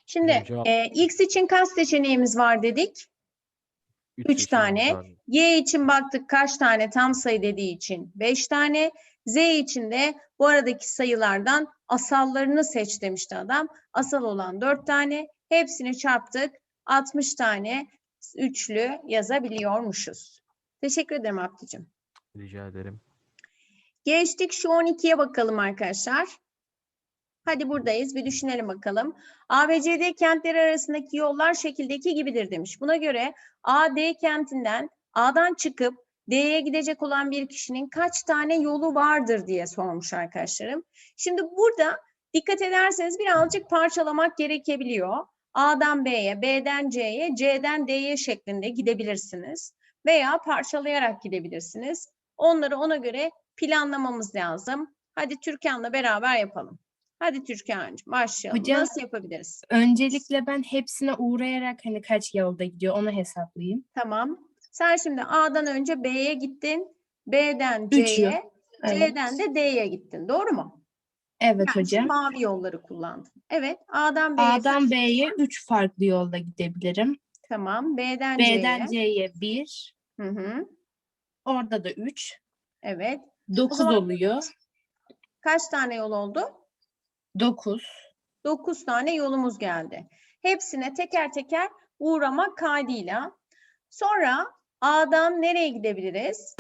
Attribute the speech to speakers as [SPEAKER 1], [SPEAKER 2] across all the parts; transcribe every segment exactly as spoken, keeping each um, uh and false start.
[SPEAKER 1] Şimdi
[SPEAKER 2] Cevap
[SPEAKER 1] e, X için kaç seçeneğimiz var dedik? üç tane.
[SPEAKER 2] var.
[SPEAKER 1] Y için baktık kaç tane tam sayı dediği için beş tane. Z için de bu aradaki sayılardan asallarını seç demişti adam. Asal olan dört tane. Hepsini çarptık. altmış tane üçlü yazabiliyormuşuz. Teşekkür ederim Abdücüm.
[SPEAKER 2] Rica ederim.
[SPEAKER 1] Geçtik şu on ikiye bakalım arkadaşlar. Hadi buradayız. Bir düşünelim bakalım. A ve C D kentleri arasındaki yollar şekildeki gibidir demiş. Buna göre A, D kentinden A'dan çıkıp D'ye gidecek olan bir kişinin kaç tane yolu vardır diye sormuş arkadaşlarım. Şimdi burada dikkat ederseniz birazcık parçalamak gerekebiliyor. A'dan B'ye, B'den C'ye, C'den D'ye şeklinde gidebilirsiniz. Veya parçalayarak gidebilirsiniz. Onları ona göre planlamamız lazım. Hadi Türkan'la beraber yapalım. Hadi Türkan'cığım başlayalım.
[SPEAKER 3] Hocam,
[SPEAKER 1] Nasıl yapabiliriz?
[SPEAKER 3] öncelikle ben hepsine uğrayarak hani kaç yolda gidiyor onu hesaplayayım.
[SPEAKER 1] Tamam. Sen şimdi A'dan önce B'ye gittin. B'den
[SPEAKER 3] Üç yol.
[SPEAKER 1] C'ye,
[SPEAKER 3] Evet.
[SPEAKER 1] C'den de D'ye gittin. Doğru mu?
[SPEAKER 3] Evet
[SPEAKER 1] Yani
[SPEAKER 3] hocam.
[SPEAKER 1] mavi yolları kullandın. Evet. A'dan B'ye.
[SPEAKER 3] A'dan B'ye üç farklı yolda gidebilirim.
[SPEAKER 1] Tamam. B'den
[SPEAKER 3] B'den
[SPEAKER 1] C'ye.
[SPEAKER 3] C'ye bir.
[SPEAKER 1] Hı hı.
[SPEAKER 3] Orada da üç.
[SPEAKER 1] Evet.
[SPEAKER 3] dokuz
[SPEAKER 1] zaman-
[SPEAKER 3] oluyor.
[SPEAKER 1] Kaç tane yol oldu?
[SPEAKER 3] dokuz.
[SPEAKER 1] dokuz tane yolumuz geldi. Hepsine teker teker uğramak kaydıyla. Sonra A'dan nereye gidebiliriz?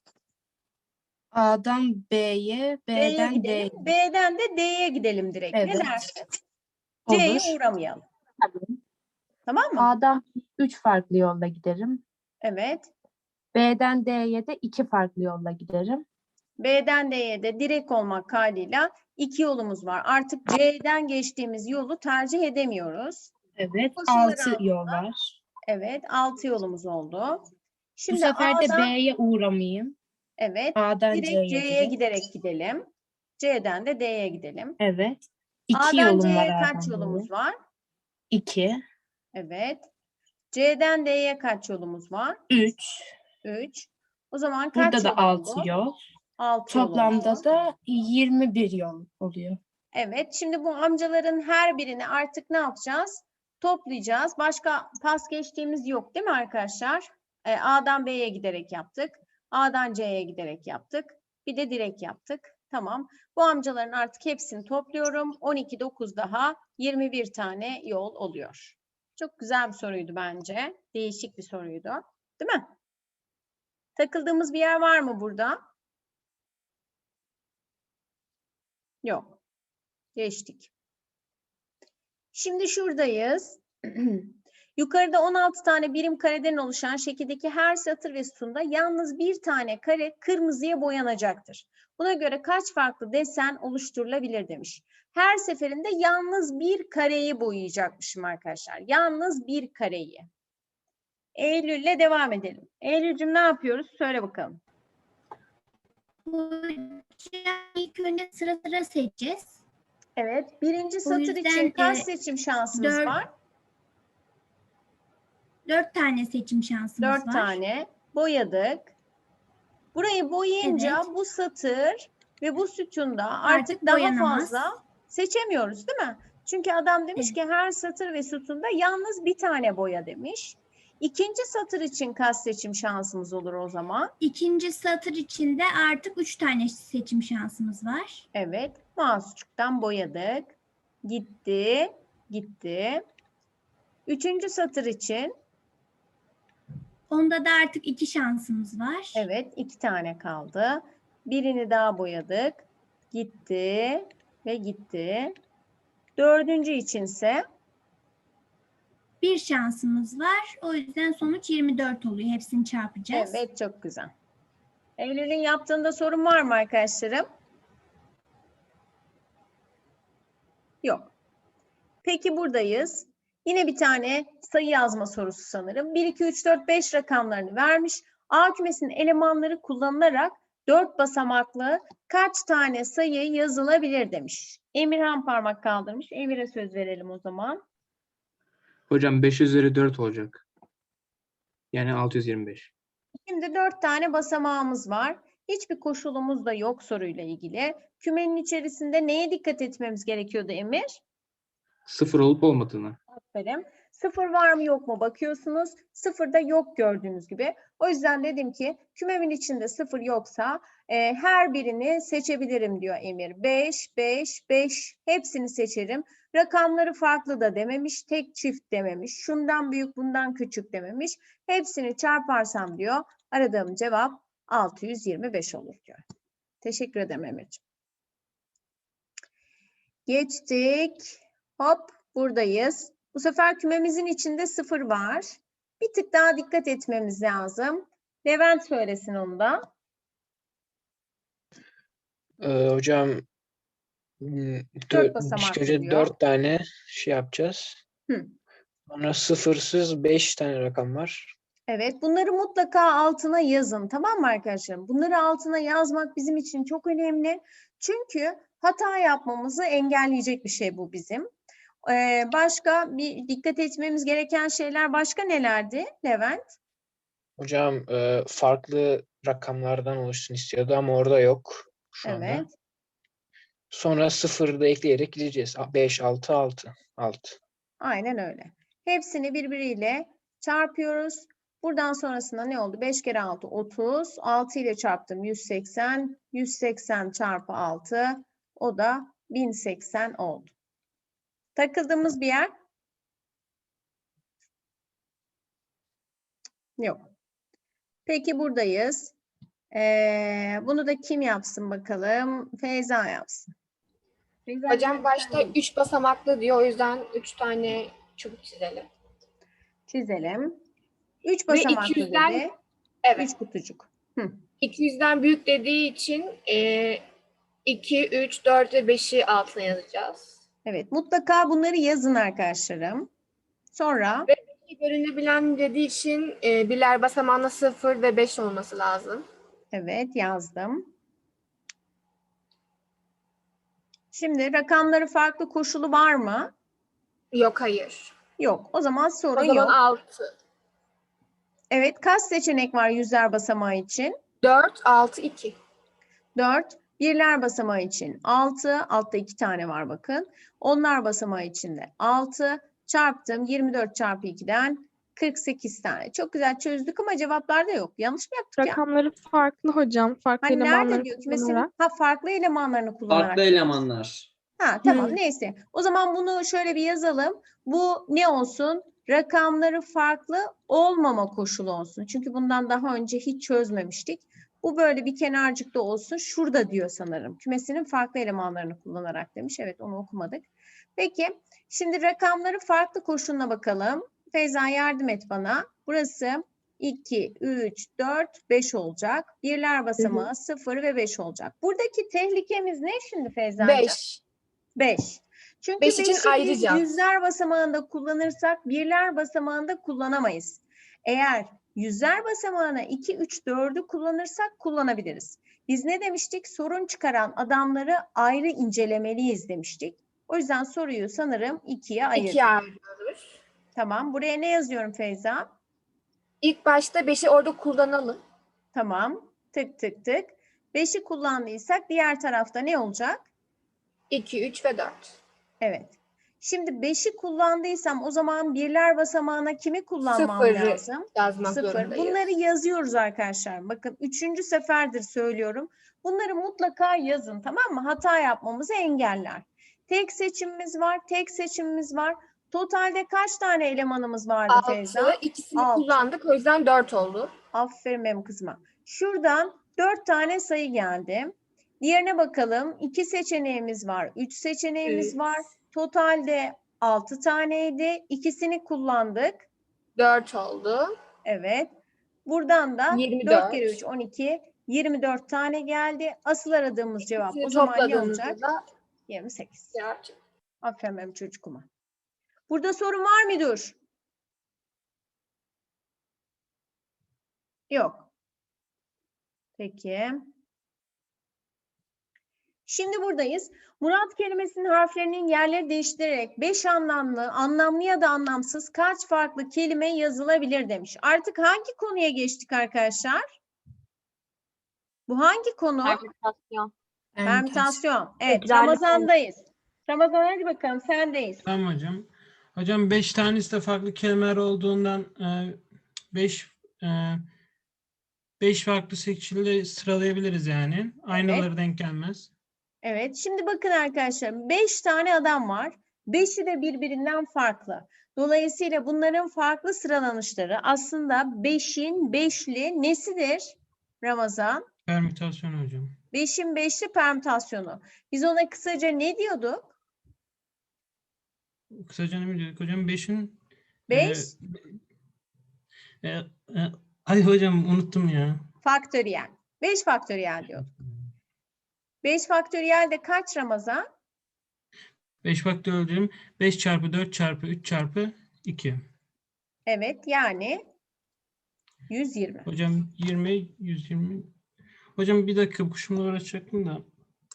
[SPEAKER 3] A'dan B'ye,
[SPEAKER 1] B'ye
[SPEAKER 3] B'den D'ye.
[SPEAKER 1] gidelim. B'den de D'ye gidelim direkt. Ne
[SPEAKER 3] Evet.
[SPEAKER 1] dersin? C'ye
[SPEAKER 3] Olur.
[SPEAKER 1] uğramayalım.
[SPEAKER 3] Tamam.
[SPEAKER 1] Tamam mı?
[SPEAKER 3] A'dan üç farklı yolda giderim.
[SPEAKER 1] Evet.
[SPEAKER 3] B'den D'ye de iki farklı yolda giderim.
[SPEAKER 1] B'den D'ye de direkt olmak kaydıyla iki yolumuz var. Artık C'den geçtiğimiz yolu tercih edemiyoruz.
[SPEAKER 3] Evet.
[SPEAKER 1] Koşulları
[SPEAKER 3] altı
[SPEAKER 1] altında.
[SPEAKER 3] yol var.
[SPEAKER 1] Evet. Altı yolumuz oldu. Şimdi
[SPEAKER 3] Bu sefer de
[SPEAKER 1] A'dan,
[SPEAKER 3] B'ye uğramayayım.
[SPEAKER 1] evet.
[SPEAKER 3] A'dan
[SPEAKER 1] Direkt
[SPEAKER 3] C'ye
[SPEAKER 1] C'ye
[SPEAKER 3] direkt.
[SPEAKER 1] giderek gidelim. C'den de D'ye gidelim.
[SPEAKER 3] Evet. İki
[SPEAKER 1] A'dan
[SPEAKER 3] yolum var
[SPEAKER 1] C'ye kaç
[SPEAKER 3] A'dan
[SPEAKER 1] yolumuz
[SPEAKER 3] C'ye.
[SPEAKER 1] var?
[SPEAKER 3] İki.
[SPEAKER 1] Evet. C'den D'ye kaç yolumuz var?
[SPEAKER 3] Üç.
[SPEAKER 1] üç. O zaman kaç
[SPEAKER 3] Burada da
[SPEAKER 1] yol
[SPEAKER 3] altı
[SPEAKER 1] oldu?
[SPEAKER 3] yol.
[SPEAKER 1] altı yol
[SPEAKER 3] Toplamda
[SPEAKER 1] oldu.
[SPEAKER 3] da yirmi bir yol oluyor.
[SPEAKER 1] Evet. Şimdi bu amcaların her birini artık ne yapacağız? Toplayacağız. Başka pas geçtiğimiz yok değil mi arkadaşlar? Ee, A'dan B'ye giderek yaptık. A'dan C'ye giderek yaptık. Bir de direkt yaptık. Tamam. Bu amcaların artık hepsini topluyorum. on iki, dokuz daha yirmi bir tane yol oluyor. Çok güzel bir soruydu bence. Değişik bir soruydu. Değil mi? Takıldığımız bir yer var mı burada? Yok. Geçtik. Şimdi şuradayız. Yukarıda on altı tane birim kareden oluşan şekildeki her satır ve sütunda yalnız bir tane kare kırmızıya boyanacaktır. Buna göre kaç farklı desen oluşturulabilir demiş. Her seferinde yalnız bir kareyi boyayacakmışım arkadaşlar. Yalnız bir kareyi. Eylül'le devam edelim. Eylül'cüm ne yapıyoruz? Söyle bakalım.
[SPEAKER 4] Hocam ilk önce sıra sıra seçeceğiz.
[SPEAKER 1] Evet. Birinci satır
[SPEAKER 4] yüzden,
[SPEAKER 1] için kaç
[SPEAKER 4] e,
[SPEAKER 1] seçim şansımız
[SPEAKER 4] dört-
[SPEAKER 1] var?
[SPEAKER 4] Dört tane seçim şansımız
[SPEAKER 1] Dört
[SPEAKER 4] var.
[SPEAKER 1] tane boyadık. Burayı boyayınca
[SPEAKER 4] Evet.
[SPEAKER 1] bu satır ve bu sütunda artık,
[SPEAKER 4] Artık
[SPEAKER 1] daha
[SPEAKER 4] boyanamaz.
[SPEAKER 1] fazla seçemiyoruz değil mi? Çünkü adam demiş
[SPEAKER 4] Evet.
[SPEAKER 1] ki her satır ve sütunda yalnız bir tane boya demiş. İkinci satır için kaç seçim şansımız olur o zaman?
[SPEAKER 4] İkinci satır içinde artık üç tane seçim şansımız var.
[SPEAKER 1] Evet, mouse'cuktan boyadık. Gitti, gitti. Üçüncü satır için
[SPEAKER 4] Onda da artık iki şansımız var.
[SPEAKER 1] evet, iki tane kaldı. Birini daha boyadık. Gitti ve gitti. Dördüncü içinse
[SPEAKER 4] Bir şansımız var. O yüzden sonuç yirmi dört oluyor. Hepsini çarpacağız.
[SPEAKER 1] evet, çok güzel. Eylül'ün yaptığında sorun var mı arkadaşlarım? Yok. Peki buradayız. Yine bir tane sayı yazma sorusu sanırım. bir, iki, üç, dört, beş rakamlarını vermiş. A kümesinin elemanları kullanılarak dört basamaklı kaç tane sayı yazılabilir demiş. Emirhan parmak kaldırmış. Emir'e söz verelim o zaman.
[SPEAKER 5] Hocam beş üzeri dört olacak. Yani altı yüz yirmi beş.
[SPEAKER 1] Şimdi dört tane basamağımız var. Hiçbir koşulumuz da yok soruyla ilgili. Kümenin içerisinde neye dikkat etmemiz gerekiyordu Emir?
[SPEAKER 5] Sıfır olup olmadığını.
[SPEAKER 1] Aferin. Sıfır var mı yok mu bakıyorsunuz. Sıfırda yok gördüğünüz gibi. O yüzden dedim ki kümemin içinde sıfır yoksa e, her birini seçebilirim diyor Emir. beş, beş, beş hepsini seçerim. Rakamları farklı da dememiş. Tek çift dememiş. Şundan büyük bundan küçük dememiş. Hepsini çarparsam diyor. Aradığım cevap altı yüz yirmi beş olur diyor. Teşekkür ederim Emir'ciğim. Geçtik. Hop buradayız. Bu sefer kümemizin içinde sıfır var. Bir tık daha dikkat etmemiz lazım. Levent söylesin onu da.
[SPEAKER 2] Ee, hocam hmm,
[SPEAKER 1] Dört
[SPEAKER 2] dö-
[SPEAKER 1] basamaklı
[SPEAKER 2] ilk önce
[SPEAKER 1] diyor.
[SPEAKER 2] dört tane şey yapacağız.
[SPEAKER 1] Hı.
[SPEAKER 2] Sonra sıfırsız beş tane rakam var.
[SPEAKER 1] Evet, bunları mutlaka altına yazın. Tamam mı arkadaşlarım? Bunları altına yazmak bizim için çok önemli. Çünkü hata yapmamızı engelleyecek bir şey bu bizim. Ee, başka bir dikkat etmemiz gereken şeyler başka nelerdi Levent?
[SPEAKER 2] Hocam e, farklı rakamlardan oluşsun istiyordu ama orada yok şu anda.
[SPEAKER 1] Evet.
[SPEAKER 2] Sonra sıfırı da ekleyerek gideceğiz. beş, altı, altı. altı.
[SPEAKER 1] Aynen öyle. Hepsini birbiriyle çarpıyoruz. Buradan sonrasında ne oldu? beş kere altı otuz. altı ile çarptım yüz seksen. yüz seksen çarpı altı. O da bin seksen oldu. Takıldığımız bir yer? Yok. Peki buradayız. Ee, bunu da kim yapsın bakalım? Feyza yapsın. Feyza,
[SPEAKER 6] Hocam başta üç basamaklı diyor. O yüzden üç tane çubuk çizelim.
[SPEAKER 1] çizelim. üç
[SPEAKER 6] Ve
[SPEAKER 1] basamaklı
[SPEAKER 6] iki yüzden
[SPEAKER 1] dedi.
[SPEAKER 6] evet.
[SPEAKER 1] üç kutucuk. Hı.
[SPEAKER 6] iki yüzden büyük dediği için e, iki, üç, dört ve beşi altına yazacağız.
[SPEAKER 1] Evet, mutlaka bunları yazın arkadaşlarım. Sonra
[SPEAKER 6] İki bölünebilen dediği için e, birler basamağında sıfır ve beş olması lazım.
[SPEAKER 1] evet yazdım. Şimdi rakamları farklı koşulu var mı?
[SPEAKER 6] Yok, hayır.
[SPEAKER 1] Yok. O zaman sorun
[SPEAKER 6] O zaman
[SPEAKER 1] yok.
[SPEAKER 6] altı.
[SPEAKER 1] Evet, kaç seçenek var yüzler basamağı için?
[SPEAKER 6] dört, altı, iki.
[SPEAKER 1] dört. Birler basamağı için altı. Altta iki tane var bakın. Onlar basamağı için de altı. Çarptım. yirmi dört çarpı iki'den kırk sekiz tane. Çok güzel çözdük ama cevaplarda yok. Yanlış mı yaptık ya?
[SPEAKER 7] Rakamları farklı hocam. Farklı
[SPEAKER 1] Hani nerede
[SPEAKER 7] elemanları
[SPEAKER 1] diyor kümesinin?
[SPEAKER 7] kullanarak.
[SPEAKER 1] Ha, farklı elemanlarını kullanarak.
[SPEAKER 8] Farklı elemanlar.
[SPEAKER 1] Ha tamam
[SPEAKER 6] Hmm.
[SPEAKER 1] neyse. O zaman bunu şöyle bir yazalım. Bu ne olsun? Rakamları farklı olmama koşulu olsun. Çünkü bundan daha önce hiç çözmemiştik. Bu böyle bir kenarcıkta olsun. Şurada diyor sanırım. Kümesinin farklı elemanlarını kullanarak demiş. Evet onu okumadık. Peki şimdi rakamları farklı koşuluna bakalım. Feyza yardım et bana. Burası iki, üç, dört, beş olacak. Birler basamağı sıfır ve beş olacak. Buradaki tehlikemiz ne şimdi Feyza'cığım?
[SPEAKER 6] beş.
[SPEAKER 1] beş. Çünkü
[SPEAKER 6] Beş için
[SPEAKER 1] beşi biz
[SPEAKER 6] ayıracağız.
[SPEAKER 1] yüzler basamağında kullanırsak birler basamağında kullanamayız. Eğer yüzler basamağına iki, üç, dördü kullanırsak kullanabiliriz. Biz ne demiştik? Sorun çıkaran adamları ayrı incelemeliyiz demiştik. O yüzden soruyu sanırım ikiye ayırdık.
[SPEAKER 6] ikiye ayırıyoruz.
[SPEAKER 1] Tamam. Buraya ne yazıyorum Feyza?
[SPEAKER 6] İlk başta beşi orada kullanalım.
[SPEAKER 1] Tamam. Tık tık tık. beşi kullandıysak diğer tarafta ne olacak?
[SPEAKER 6] iki, üç ve dört.
[SPEAKER 1] Evet. Şimdi beşi kullandıysam o zaman birler basamağına kimi kullanmam
[SPEAKER 6] Sıfırı
[SPEAKER 1] lazım?
[SPEAKER 6] yazmak
[SPEAKER 1] Sıfır.
[SPEAKER 6] zorundayız.
[SPEAKER 1] Bunları yazıyoruz arkadaşlar. Bakın üçüncü seferdir söylüyorum. Bunları mutlaka yazın, tamam mı? Hata yapmamızı engeller. Tek seçimimiz var, tek seçimimiz var. Totalde kaç tane elemanımız vardı Feyza?
[SPEAKER 6] altı. İkisini
[SPEAKER 1] Altı.
[SPEAKER 6] kullandık. O yüzden dört oldu.
[SPEAKER 1] Aferin benim kızıma. Şuradan dört tane sayı geldi. Diğerine bakalım. iki seçeneğimiz var. Üç seçeneğimiz
[SPEAKER 6] Üç.
[SPEAKER 1] var. Totalde altı taneydi. İkisini kullandık.
[SPEAKER 6] dört oldu.
[SPEAKER 1] Evet. Buradan da
[SPEAKER 6] yirmi
[SPEAKER 1] dört
[SPEAKER 6] dört.
[SPEAKER 1] kere üç on iki. yirmi dört tane geldi. Asıl aradığımız cevap
[SPEAKER 6] İkisini
[SPEAKER 1] o zaman ne
[SPEAKER 6] topladığımızda
[SPEAKER 1] olacak?
[SPEAKER 6] da
[SPEAKER 1] yirmi sekiz.
[SPEAKER 6] cevap çıktı.
[SPEAKER 1] Aferin benim çocukuma. Burada sorun var mıdır? Yok. Peki. Şimdi buradayız. Murat kelimesinin harflerinin yerleri değiştirerek beş anlamlı, anlamlı ya da anlamsız kaç farklı kelime yazılabilir demiş. Artık hangi konuya geçtik arkadaşlar? Bu hangi konu?
[SPEAKER 6] Permütasyon.
[SPEAKER 1] Permütasyon. Evet,
[SPEAKER 7] Tekrarlı
[SPEAKER 1] Ramazan'dayız. Ramazan hadi bakalım sendeyiz.
[SPEAKER 8] Tamam hocam. Hocam beş tanesi de farklı kelimeler olduğundan beş beş farklı şekilde sıralayabiliriz yani. Aynaları denk gelmez.
[SPEAKER 1] Evet, şimdi bakın arkadaşlar, beş tane adam var. Beşi de birbirinden farklı. Dolayısıyla bunların farklı sıralanışları aslında beşin beşli nesidir Ramazan?
[SPEAKER 8] Permütasyon hocam.
[SPEAKER 1] Beşin beşli permütasyonu. Biz ona kısaca ne diyorduk?
[SPEAKER 8] Kısaca ne diyorduk hocam? beşin
[SPEAKER 1] Beş
[SPEAKER 8] e, e, e, ay hocam unuttum ya.
[SPEAKER 1] faktöriyel. Beş faktöriyel diyorduk. Beş faktöriyel de kaç Ramazan?
[SPEAKER 8] beş faktöriyel hocam. beş çarpı dört çarpı üç çarpı iki.
[SPEAKER 1] Evet, yani yüz yirmi.
[SPEAKER 8] Hocam yirmi, yüz yirmi. Hocam bir dakika kuşumla uğraşacaktım da.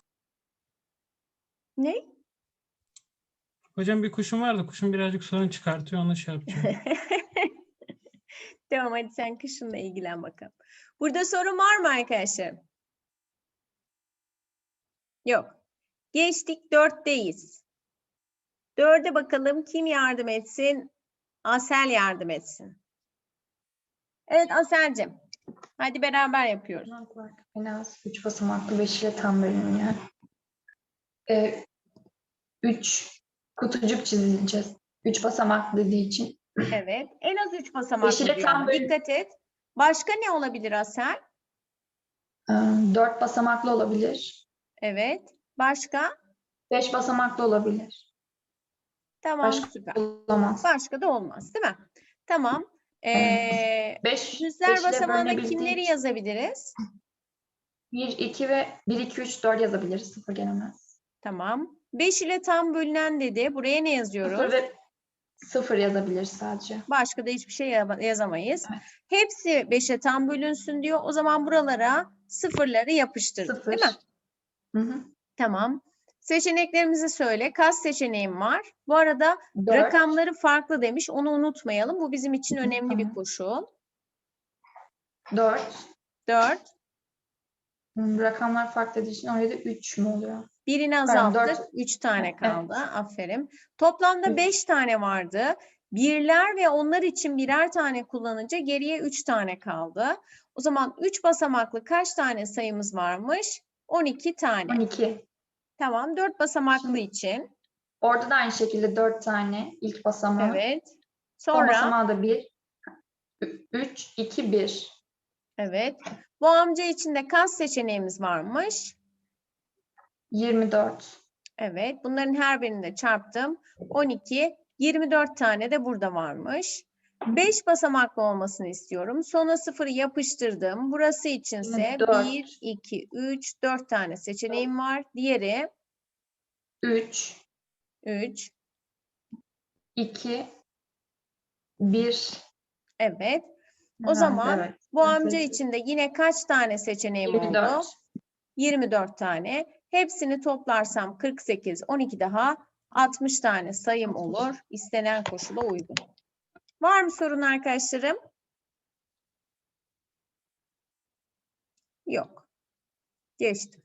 [SPEAKER 1] Ne?
[SPEAKER 8] Hocam bir kuşum var da kuşum birazcık sorun çıkartıyor. Onu şey yapacağım.
[SPEAKER 1] Tamam, hadi sen kışınla ilgilen bakalım. Burada sorun var mı arkadaşlar? Yok. Geçtik, dörtteyiz. Dörde bakalım kim yardım etsin? Asel yardım etsin. Evet Asel'cim. Hadi beraber yapıyoruz.
[SPEAKER 9] En az üç basamaklı beş ile tam bölünüyor. Ee, üç kutucuk çizeceğiz. üç basamaklı dediği için.
[SPEAKER 1] Evet. En az üç basamaklı
[SPEAKER 9] Beşi de
[SPEAKER 1] diyor
[SPEAKER 9] tam
[SPEAKER 1] ama
[SPEAKER 9] bölün-
[SPEAKER 1] dikkat et. Başka ne olabilir Asel?
[SPEAKER 9] Ee, dört basamaklı olabilir.
[SPEAKER 1] Evet. Başka?
[SPEAKER 9] beş basamaklı olabilir.
[SPEAKER 1] Tamam,
[SPEAKER 9] Başka
[SPEAKER 1] süper.
[SPEAKER 9] olamaz.
[SPEAKER 1] Başka da olmaz, değil mi? Tamam. Ee,
[SPEAKER 9] beş,
[SPEAKER 1] yüzler
[SPEAKER 9] beş ile
[SPEAKER 1] basamağına
[SPEAKER 9] bölünebildiği
[SPEAKER 1] kimleri
[SPEAKER 9] için
[SPEAKER 1] yazabiliriz?
[SPEAKER 9] bir, iki ve bir, iki, üç, dört yazabiliriz. Sıfır gelemez.
[SPEAKER 1] Tamam. beş ile tam bölünen dedi. Buraya ne yazıyoruz?
[SPEAKER 9] Sıfır ve sıfır yazabiliriz sadece.
[SPEAKER 1] Başka da hiçbir şey ya- yazamayız.
[SPEAKER 9] Evet.
[SPEAKER 1] Hepsi beşe tam bölünsün diyor. O zaman buralara sıfırları yapıştırdık,
[SPEAKER 9] Sıfır.
[SPEAKER 1] değil mi?
[SPEAKER 9] Hı hı.
[SPEAKER 1] Tamam. Seçeneklerimizi söyle. Kaç seçeneğim var? Bu arada
[SPEAKER 9] Dört.
[SPEAKER 1] rakamları farklı demiş. Onu unutmayalım. Bu bizim için
[SPEAKER 9] Hı,
[SPEAKER 1] önemli bir
[SPEAKER 9] tamam.
[SPEAKER 1] koşul.
[SPEAKER 9] Dört.
[SPEAKER 1] dört.
[SPEAKER 9] Hmm, Rakamlar farklı dediği için oraya da üç mü oluyor?
[SPEAKER 1] Birini
[SPEAKER 9] Pardon,
[SPEAKER 1] azalttık.
[SPEAKER 9] dört.
[SPEAKER 1] üç tane
[SPEAKER 9] Evet.
[SPEAKER 1] kaldı. Aferin. Toplamda
[SPEAKER 9] Üç.
[SPEAKER 1] beş tane vardı. Birler ve onlar için birer tane kullanınca geriye üç tane kaldı. O zaman üç basamaklı kaç tane sayımız varmış? on iki tane.
[SPEAKER 9] on iki.
[SPEAKER 1] Tamam. dört basamaklı
[SPEAKER 9] Şimdi-
[SPEAKER 1] için.
[SPEAKER 9] Orada da aynı şekilde dört tane ilk basamağı.
[SPEAKER 1] Evet.
[SPEAKER 9] Son
[SPEAKER 1] Sonra
[SPEAKER 9] basamağı da bir. üç, iki, bir.
[SPEAKER 1] evet. Bu amca için de kaç seçeneğimiz varmış?
[SPEAKER 9] yirmi dört.
[SPEAKER 1] Evet. Bunların her birini de çarptım. on iki. yirmi dört tane de burada varmış. beş basamaklı olmasını istiyorum. Sona sıfırı yapıştırdım. Burası içinse
[SPEAKER 9] Yirmi dört.
[SPEAKER 1] bir, iki, üç, dört tane seçeneğim var. Diğeri
[SPEAKER 9] üç,
[SPEAKER 1] üç.
[SPEAKER 9] iki, bir.
[SPEAKER 1] Evet. O
[SPEAKER 9] Herhalde,
[SPEAKER 1] zaman
[SPEAKER 9] evet.
[SPEAKER 1] bu amca
[SPEAKER 9] Evet.
[SPEAKER 1] için de yine kaç tane seçeneğim
[SPEAKER 9] yirmi dört.
[SPEAKER 1] oldu? yirmi dört tane. Hepsini toplarsam kırk sekiz, on iki daha altmış tane sayım olur. İstenen koşula uygun. Var mı sorun arkadaşlarım? Yok. Geçtim.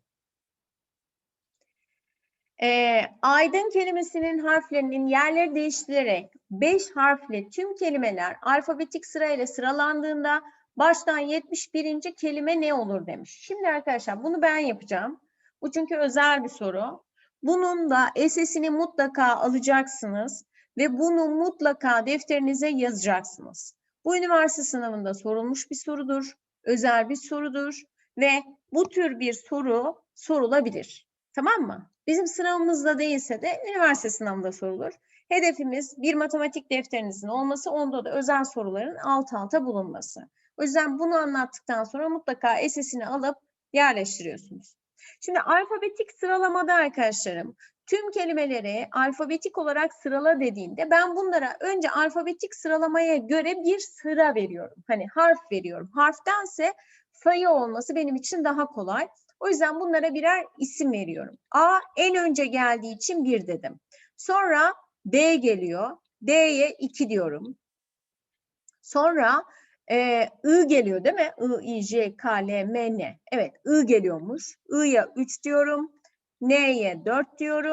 [SPEAKER 1] Ee, aydın kelimesinin harflerinin yerleri değiştirilerek beş harfli tüm kelimeler alfabetik sırayla sıralandığında baştan yetmiş birinci kelime ne olur demiş. Şimdi arkadaşlar bunu ben yapacağım. Bu çünkü özel bir soru. Bunun da esesini mutlaka alacaksınız ve bunu mutlaka defterinize yazacaksınız. Bu üniversite sınavında sorulmuş bir sorudur, özel bir sorudur ve bu tür bir soru sorulabilir. Tamam mı? Bizim sınavımızda değilse de üniversite sınavında sorulur. Hedefimiz bir matematik defterinizin olması, onda da özel soruların alt alta bulunması. O yüzden bunu anlattıktan sonra mutlaka esesini alıp yerleştiriyorsunuz. Şimdi alfabetik sıralamada arkadaşlarım, tüm kelimeleri alfabetik olarak sırala dediğinde ben bunlara önce alfabetik sıralamaya göre bir sıra veriyorum. Hani harf veriyorum. Harftense sayı olması benim için daha kolay. O yüzden bunlara birer isim veriyorum. A en önce geldiği için bir dedim. Sonra B geliyor. D'ye iki diyorum. Sonra e, I geliyor değil mi? I, I, J, K, L, M, N. Evet I geliyormuş. I'ya üç diyorum. N'ye dört diyorum.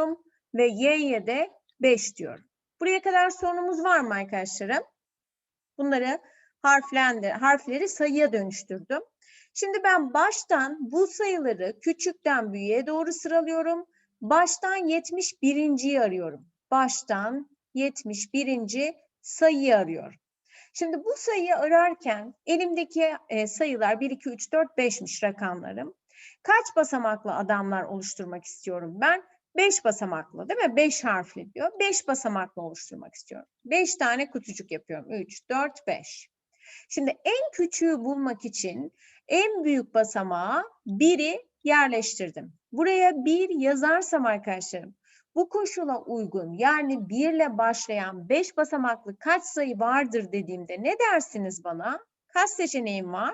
[SPEAKER 1] ve y'ye de beş diyorum. Buraya kadar sorunumuz var mı arkadaşlarım? Bunları harflendir, harfleri sayıya dönüştürdüm. Şimdi ben baştan bu sayıları küçükten büyüğe doğru sıralıyorum. Baştan yetmiş birinciyi arıyorum. Baştan yetmiş birinci sayıyı arıyorum. Şimdi bu sayıyı ararken elimdeki e, sayılar bir, iki, üç, dört, beşmiş rakamlarım. Kaç basamaklı adamlar oluşturmak istiyorum ben? beş basamaklı değil mi? beş harfli diyor. beş basamaklı oluşturmak istiyorum. beş tane kutucuk yapıyorum. üç, dört, beş. Şimdi en küçüğü bulmak için en büyük basamağa biri yerleştirdim. Buraya bir yazarsam arkadaşlarım, bu koşula uygun yani bir ile başlayan beş basamaklı kaç sayı vardır dediğimde ne dersiniz bana? Kaç seçeneğim var?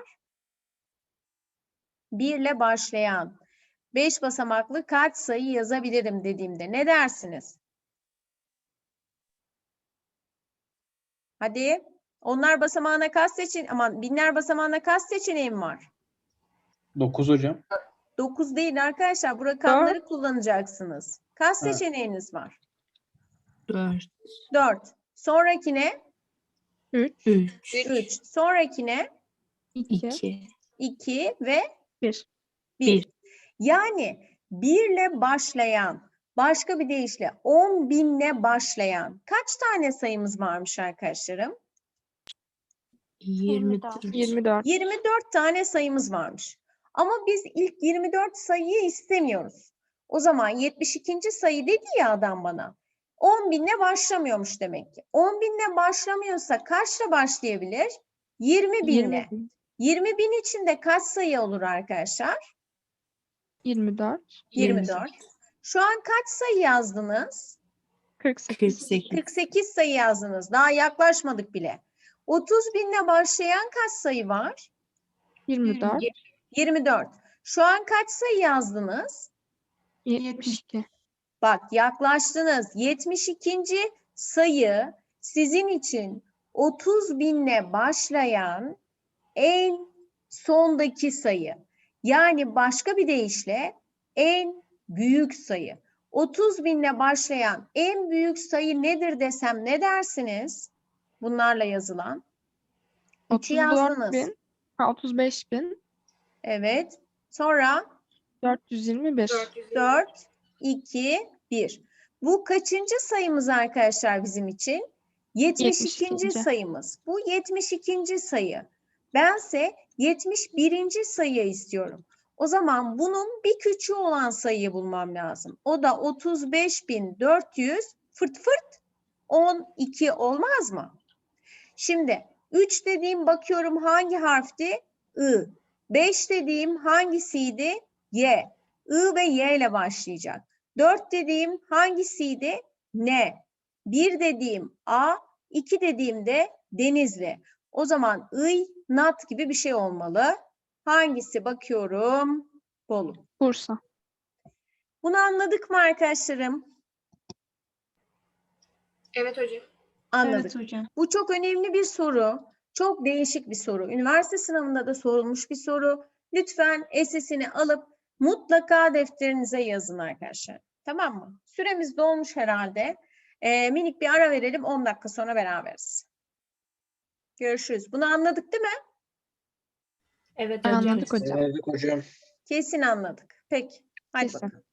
[SPEAKER 1] bir ile başlayan beş basamaklı kaç sayı yazabilirim dediğimde ne dersiniz? Hadi. Onlar basamağına kaç seçeneğim, aman binler basamağına kaç seçeneğim var?
[SPEAKER 5] dokuz hocam.
[SPEAKER 1] dokuz değil arkadaşlar. Bu rakamları kullanacaksınız. Kaç
[SPEAKER 5] Evet.
[SPEAKER 1] seçeneğiniz var?
[SPEAKER 3] dört,
[SPEAKER 1] dört. Sonrakine
[SPEAKER 7] üç,
[SPEAKER 3] üç,
[SPEAKER 1] üç. Sonrakine
[SPEAKER 7] iki,
[SPEAKER 3] iki,
[SPEAKER 1] iki ve
[SPEAKER 7] bir.
[SPEAKER 1] bir.
[SPEAKER 3] Bir.
[SPEAKER 1] Yani birle başlayan, başka bir deyişle on binle başlayan kaç tane sayımız varmış arkadaşlarım?
[SPEAKER 3] yirmi dört.
[SPEAKER 7] yirmi dört.
[SPEAKER 1] yirmi dört tane sayımız varmış. Ama biz ilk yirmi dört sayıyı istemiyoruz. O zaman yetmiş ikinci sayı dedi ya adam bana. on binle başlamıyormuş demek ki. on binle başlamıyorsa kaçla başlayabilir? yirmi binle.
[SPEAKER 7] yirmi bin.
[SPEAKER 1] yirmi bin içinde kaç sayı olur arkadaşlar?
[SPEAKER 7] yirmi dört.
[SPEAKER 1] yirmi dört. Şu an kaç sayı yazdınız?
[SPEAKER 7] kırk sekiz.
[SPEAKER 3] kırk sekiz.
[SPEAKER 1] kırk sekiz sayı yazdınız. Daha yaklaşmadık bile. otuz binle başlayan kaç sayı var?
[SPEAKER 7] yirmi dört.
[SPEAKER 1] yirmi dört. Şu an kaç sayı yazdınız?
[SPEAKER 7] yetmiş iki.
[SPEAKER 1] Bak yaklaştınız. yetmiş ikinci sayı sizin için otuz binle başlayan en sondaki sayı. Yani başka bir deyişle en büyük sayı. otuz binle başlayan en büyük sayı nedir desem ne dersiniz? Bunlarla yazılan. üçü
[SPEAKER 7] otuz dört
[SPEAKER 1] yazdınız.
[SPEAKER 7] bin. Ha, otuz beş bin.
[SPEAKER 1] Evet. Sonra
[SPEAKER 7] dört yüz yirmi bir.
[SPEAKER 1] dört, iki, bir. Bu kaçıncı sayımız arkadaşlar bizim için? yetmiş ikinci
[SPEAKER 7] yetmiş ikinci.
[SPEAKER 1] sayımız. Bu yetmiş ikinci sayı. Bense yetmiş birinci sayı istiyorum. O zaman bunun bir küçüğü olan sayıyı bulmam lazım. O da otuz beş bin dört yüz fırt fırt on iki olmaz mı? Şimdi üç dediğim bakıyorum hangi harfti? I. beş dediğim hangisiydi? Y. I ve Y ile başlayacak. dört dediğim hangisiydi? N. bir dediğim A. iki dediğimde Denizli. O zaman I, nat gibi bir şey olmalı. Hangisi bakıyorum? Bolu.
[SPEAKER 7] Bursa.
[SPEAKER 1] Bunu anladık mı arkadaşlarım?
[SPEAKER 6] Evet hocam.
[SPEAKER 1] Anladık.
[SPEAKER 4] Evet hocam.
[SPEAKER 1] Bu çok önemli bir soru. Çok değişik bir soru. Üniversite sınavında da sorulmuş bir soru. Lütfen esesini alıp mutlaka defterinize yazın arkadaşlar. Tamam mı? Süremiz dolmuş herhalde. Ee, minik bir ara verelim. on dakika sonra beraberiz. Görüşürüz. Bunu anladık değil mi?
[SPEAKER 6] Evet hocam.
[SPEAKER 7] Anladık hocam.
[SPEAKER 2] Anladık hocam.
[SPEAKER 1] Kesin anladık. Peki. Hadi
[SPEAKER 7] Kesin.
[SPEAKER 1] bakalım.